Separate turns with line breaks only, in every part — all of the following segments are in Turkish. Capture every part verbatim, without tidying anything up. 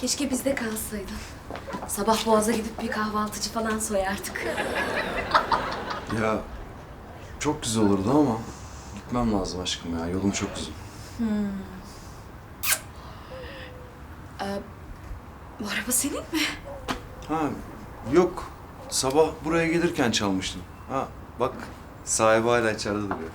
Keşke bizde kalsaydın. Sabah Boğaz'a gidip bir kahvaltıcı falan soyardık.
Ya çok güzel olurdu ama gitmem lazım aşkım ya. Yolum çok uzun.
Bu araba senin mi?
Ha yok. Sabah buraya gelirken çalmıştım. Ha bak sahibi hala içeride duruyor.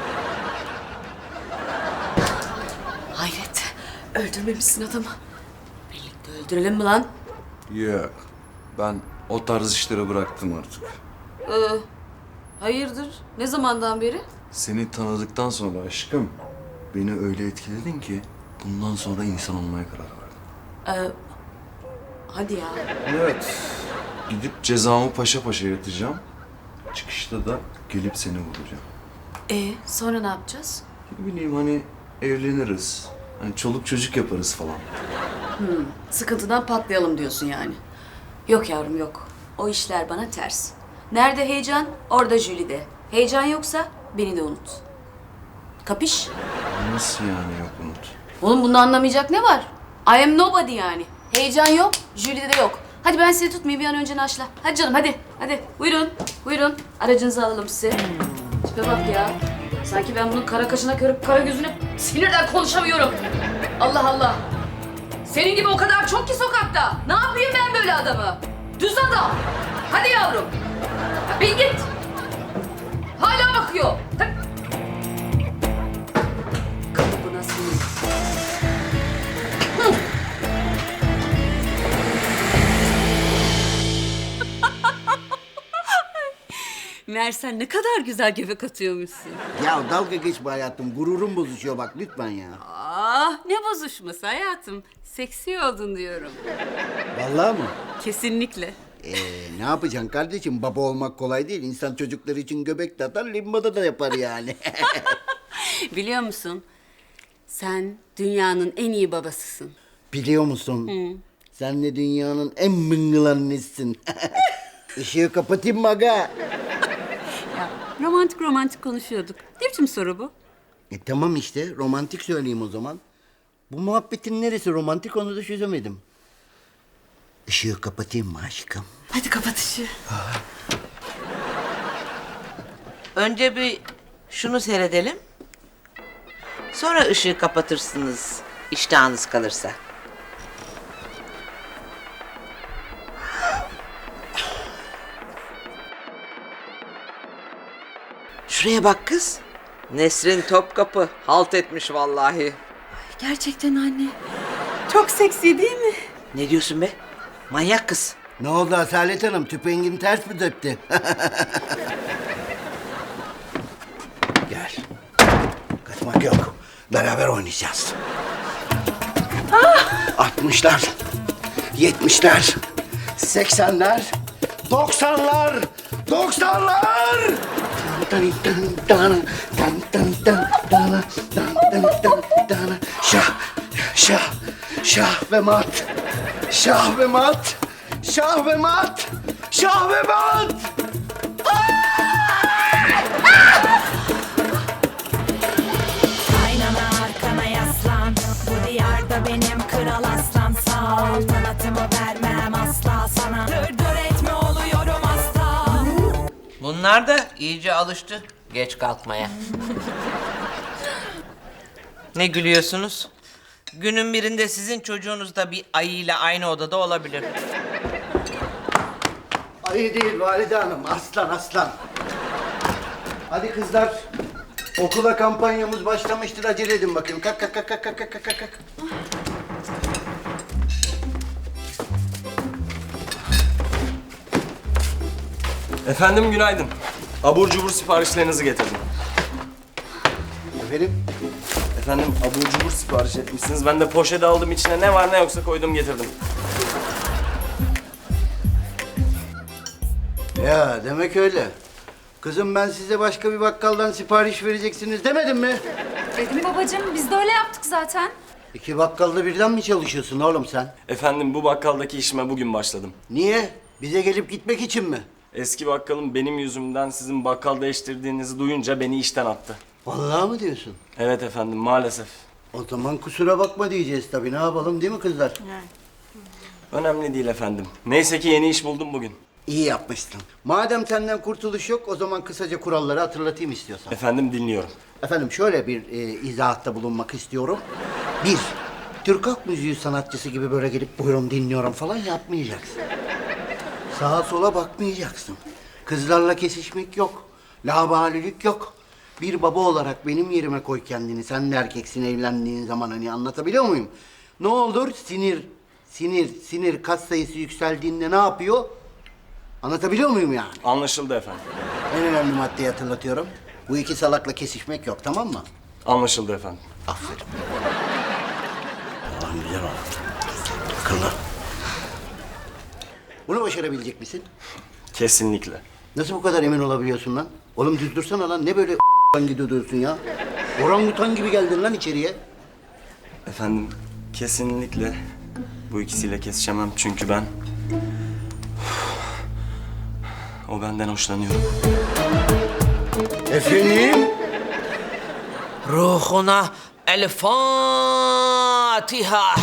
Hayret. Öldürmemişsin adamı. Birlikte öldürelim mi lan?
Yok. Ben o tarz işleri bıraktım artık.
Ee, hayırdır? Ne zamandan beri?
Seni tanıdıktan sonra aşkım beni öyle etkiledin ki bundan sonra insan olmaya karar verdim.
Ee, hadi ya.
Evet. Gidip cezamı paşa paşa yatacağım. Çıkışta da gelip seni vuracağım.
Ee, sonra ne yapacağız?
Ne bileyim hani evleniriz. Hani çoluk çocuk yaparız falan.
Sıkıntıdan patlayalım diyorsun yani. Yok yavrum yok. O işler bana ters. Nerede heyecan, orada Jülide. Heyecan yoksa beni de unut. Kapış?
Nasıl yani yok Umut?
Oğlum bunu anlamayacak ne var? I am nobody yani. Heyecan yok, Jülide de yok. Hadi ben sizi tutmayayım, bir an önce naşla. Hadi canım hadi, hadi. Buyurun, buyurun. Aracınızı alalım size. Tipe bak ya. Sanki ben bunun kara kaşına körüp kara gözüne sinirden konuşamıyorum. Allah Allah. Senin gibi o kadar çok ki sokakta. Ne yapayım ben böyle adamı? Düz adam. Hadi yavrum. Ya bin git. Hala bakıyor. Tak. Kalıbına sinir. Hı.
Meğer sen ne kadar güzel göbek atıyormuşsun.
Ya dalga geçme hayatım. Gururum bozuşuyor bak lütfen ya.
Ah ne bozuşması hayatım. Seksi oldun diyorum.
Vallahi mı?
Kesinlikle.
Ee, ne yapacaksın kardeşim? Baba olmak kolay değil. İnsan çocukları için göbek de atar, limbada da yapar yani.
Biliyor musun? Sen dünyanın en iyi babasısın.
Biliyor musun? Sen de dünyanın en mıngıl annesisin. Işığı kapatayım mı aga?
Ya romantik romantik konuşuyorduk. Ne biçim soru bu?
E tamam işte, romantik söyleyeyim o zaman. Bu muhabbetin neresi romantik onu da çözemedim. Işığı kapatayım mı aşkım?
Hadi kapat ışığı.
Önce bir şunu seyredelim. Sonra ışığı kapatırsınız iştahınız kalırsa. Şuraya bak kız. Nesrin Topkapı halt etmiş vallahi.
Gerçekten anne. Çok seksi değil mi?
Ne diyorsun be? Manyak kız.
Ne oldu Asalet Hanım? Tüpengin ters mi döktü? Gel. Kaçmak yok. Beraber oynayacağız. Altmışlar, yetmişler, seksenler, doksanlar, doksanlar. Tan tan tan tan tan tan tan tan tan tan tan. Şah, şah, şah ve mat, şah ve mat, şah ve mat, şah ve mat.
Aynana arkana yaslan. Bu diyarda benim kral aslan. Saltanatımı vermem asla sana. Dır dır etme oluyorum asla.
Bunlar da iyice alıştı geç kalkmaya. Ne gülüyorsunuz? Günün birinde sizin çocuğunuz da bir ayıyla aynı odada olabilir.
Ayı değil Valide Hanım, aslan aslan. Hadi kızlar, okula kampanyamız başlamıştır, acele edin bakayım. Kalk kalk kalk kalk kalk kalk kalk, kalk.
Efendim günaydın. Abur cubur siparişlerinizi getirdim.
Efendim?
Efendim abur cubur sipariş etmişsiniz. Ben de poşete aldım, içine ne var ne yoksa koydum getirdim.
Ya demek öyle. Kızım ben size başka bir bakkaldan sipariş vereceksiniz demedim mi?
Dedim babacığım, biz de öyle yaptık zaten.
İki bakkalda birden mi çalışıyorsun oğlum sen?
Efendim bu bakkaldaki işime bugün başladım.
Niye? Bize gelip gitmek için mi?
Eski bakkalım benim yüzümden sizin bakkal değiştirdiğinizi duyunca beni işten attı.
Vallahi mı diyorsun?
Evet efendim maalesef.
O zaman kusura bakma diyeceğiz tabii. Ne yapalım değil mi kızlar?
Önemli değil efendim. Neyse ki yeni iş buldum bugün.
İyi yapmışsın. Madem senden kurtuluş yok, o zaman kısaca kuralları hatırlatayım istiyorsan.
Efendim dinliyorum.
Efendim şöyle bir e, izahatta bulunmak istiyorum. Bir, Türk halk müziği sanatçısı gibi böyle gelip buyurun dinliyorum falan yapmayacaksın. Sağa sola bakmayacaksın. Kızlarla kesişmek yok. Laubalilik yok. Bir baba olarak benim yerime koy kendini. Sen de erkeksin evlendiğin zaman, hani anlatabiliyor muyum? Ne olur sinir, sinir, sinir kas sayısı yükseldiğinde ne yapıyor? Anlatabiliyor muyum yani?
Anlaşıldı efendim.
En önemli maddeyi hatırlatıyorum. Bu iki salakla kesişmek yok, tamam mı?
Anlaşıldı efendim.
Aferin. Allah'ım güzel oldu. Akıllı. Bunu başarabilecek misin?
Kesinlikle.
Nasıl bu kadar emin olabiliyorsun lan? Oğlum düz dursana lan. Ne böyle gidiyorsun ya? Orangutan gibi geldin lan içeriye.
Efendim kesinlikle bu ikisiyle kesişemem çünkü ben... O benden hoşlanıyor.
Efendim?
Ruhuna el Fatiha.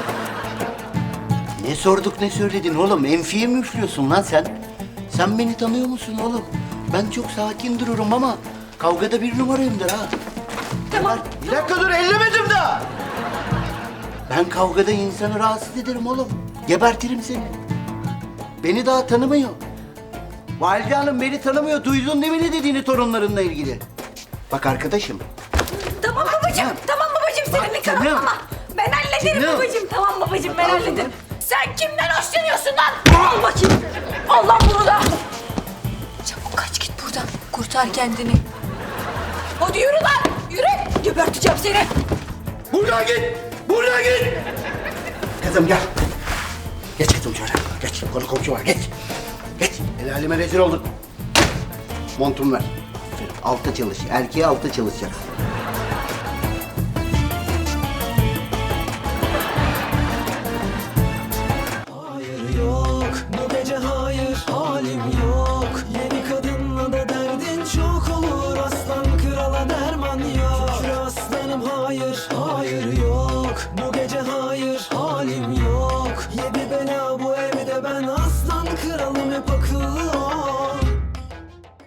Ne sorduk ne söyledin oğlum? Enfiye mi üflüyorsun lan sen? Sen beni tanıyor musun oğlum? Ben çok sakin dururum ama kavgada bir numarayımdır ha. Tamam. Bir dakika dur, ellemedim daha. Ben kavgada insanı rahatsız ederim oğlum. Gebertirim seni. Beni daha tanımıyor. Valide Hanım beni tanımıyor. Duydun değil mi ne dediğini torunlarınla ilgili? Bak arkadaşım.
Tamam babacığım,
Tamam.
tamam babacığım senin
Bak
nikahın
canım.
ama ben hallederim
Canım.
babacığım. Tamam babacığım ben hallederim. Sen kimden hoşlanıyorsun lan? Al bakayım. Al lan bunu da. Çabuk kaç git buradan. Kurtar kendini. Hadi yürü lan. Yürü. Geberteceğim seni.
Buradan git. Buradan git. Kızım gel. Geç kızım şöyle. Geç. Konu komşu var. Geç. Geç. El aleme rezil oldun. Montumu ver. Altta çalış. Erkeğe altta çalışacaksın.
Yok bu gece hayır halim yok. Yeni kadınla da derdin çok olur. Aslan krala derman yok. Şükür aslanım hayır hayır yok. Bu